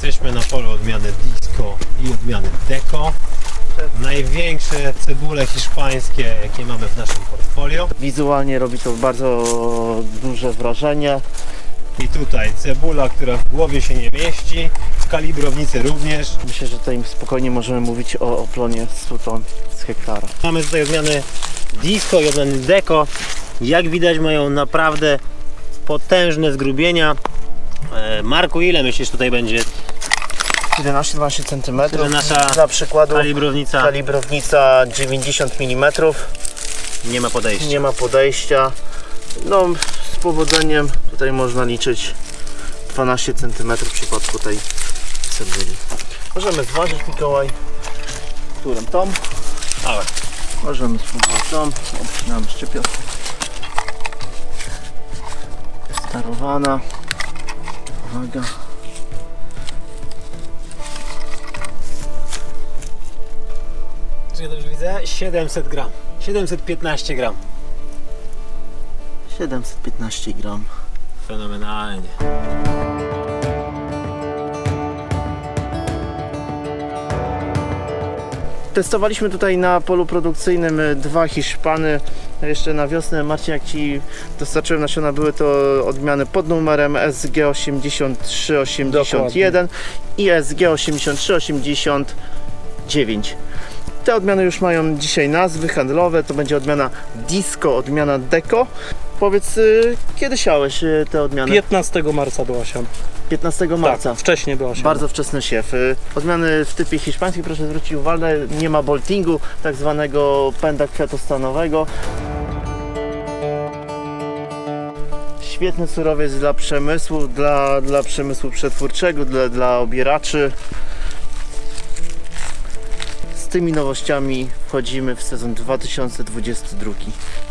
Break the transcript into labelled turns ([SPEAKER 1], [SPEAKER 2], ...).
[SPEAKER 1] Jesteśmy na polu odmiany Disco i odmiany Deco. Największe cebule hiszpańskie, jakie mamy w naszym portfolio.
[SPEAKER 2] Wizualnie robi to bardzo duże wrażenie.
[SPEAKER 1] I tutaj cebula, która w głowie się nie mieści, w kalibrownicy również.
[SPEAKER 2] Myślę, że tutaj spokojnie możemy mówić o plonie 100 ton z hektara.
[SPEAKER 1] Mamy tutaj odmiany Disco i odmiany Deco. Jak widać, mają naprawdę potężne zgrubienia. Marku, ile myślisz tutaj będzie
[SPEAKER 2] 11-12 cm.
[SPEAKER 1] nasza
[SPEAKER 2] Dla przykładu
[SPEAKER 1] kalibrownica?
[SPEAKER 2] kalibrownica 90 mm.
[SPEAKER 1] Nie ma podejścia.
[SPEAKER 2] Nie ma podejścia. No, z powodzeniem tutaj można liczyć 12 cm w przypadku tej cebuli. Możemy zważyć, Mikołaj, którą tą.
[SPEAKER 1] Ale
[SPEAKER 2] Możemy spróbować tą. Obcinamy szczypiorkę. Starowana. Uwaga.
[SPEAKER 1] czy ja dobrze widzę? 700 gram. 715 gram.
[SPEAKER 2] 715 gram.
[SPEAKER 1] Fenomenalnie.
[SPEAKER 2] Testowaliśmy tutaj na polu produkcyjnym 2 Hiszpany. Jeszcze na wiosnę, Marcin, jak Ci dostarczyłem nasiona, były to odmiany pod numerem SG8381 i SG8389. Te odmiany już mają dzisiaj nazwy handlowe. To będzie odmiana Disco, odmiana Deco. Powiedz, kiedy siałeś te odmiany?
[SPEAKER 3] 15 marca była siana.
[SPEAKER 2] 15 marca.
[SPEAKER 3] Tak, wcześniej była siana.
[SPEAKER 2] Bardzo wczesny siew. Odmiany w typie hiszpańskim, proszę zwrócić uwagę, nie ma boltingu, tak zwanego pęda kwiatostanowego. Świetny surowiec dla przemysłu, dla przemysłu przetwórczego, dla obieraczy. Z tymi nowościami wchodzimy w sezon 2022.